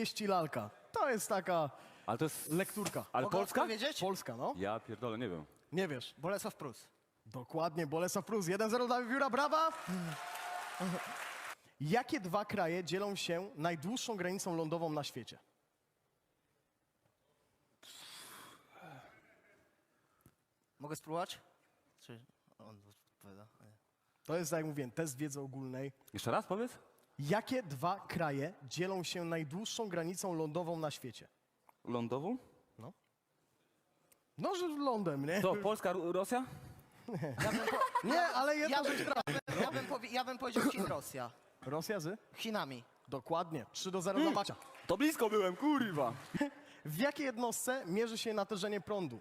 Wieści lalka. To jest taka Ale to jest... lekturka. Ale Mogę Polska? odpowiedzieć? Polska, no. Ja pierdolę, nie wiem. Nie wiesz. Bolesław Prus. Dokładnie, Bolesław Prus. 1-0 dla Wiewióra, brawa! Jakie dwa kraje dzielą się najdłuższą granicą lądową na świecie? Mogę spróbować? Czy on odpowiada? Nie. To jest, jak mówiłem, test wiedzy ogólnej. Jeszcze raz powiedz? Jakie dwa kraje dzielą się najdłuższą granicą lądową na świecie? Lądową? No, że lądem, nie? To Polska, Rosja? Nie, ale jedna rzecz. Ja bym powiedział Chin, Rosja. Rosja z? Chinami. Dokładnie. 3-0 dla Macia. To blisko byłem, kurwa. W jakiej jednostce mierzy się natężenie prądu?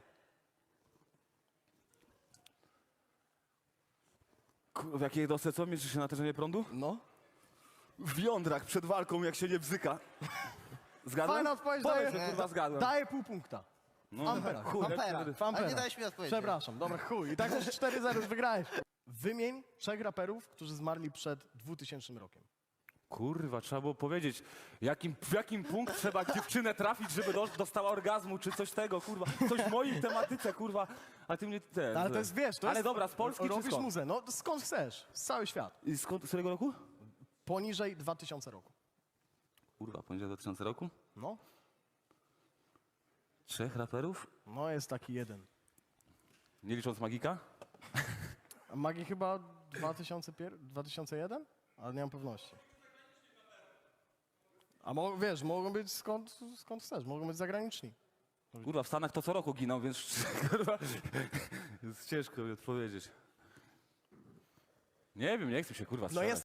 W jakiej jednostce co? Mierzy się natężenie prądu? No. W jądrach przed walką, jak się nie bzyka. Zgadłem? Fajna odpowiedź, Powiedz, daję, że kurwa zgadłem. daję pół punkta. No, Amperach. chuj, Ampera. W amperach. Ale nie dałeś mi odpowiedzi. Przepraszam, dobra, chuj. I tak już 4-0 już wygrałeś. Wymień 3 raperów, którzy zmarli przed 2000 rokiem. Kurwa, trzeba było powiedzieć, w jakim punkt trzeba dziewczynę trafić, żeby dostała orgazmu, czy coś tego, kurwa. Coś w mojej tematyce, kurwa, a ty mnie... Ale to jest, wiesz, to Ale jest... dobra, z Polski czy robisz skąd? muzę, no skąd chcesz, z cały świat. I skąd, z którego roku? Poniżej 2000 roku. Kurwa, poniżej 2000 roku? No, 3 raperów? no jest taki jeden. Nie licząc Magika? A Magi chyba 2001? Ale nie mam pewności. A wiesz, mogą być skąd chcesz, mogą być zagraniczni. Kurwa, w Stanach to co roku giną, więc kurwa, jest ciężko mi odpowiedzieć. Nie wiem, nie chcę się kurwa strzelać. No jest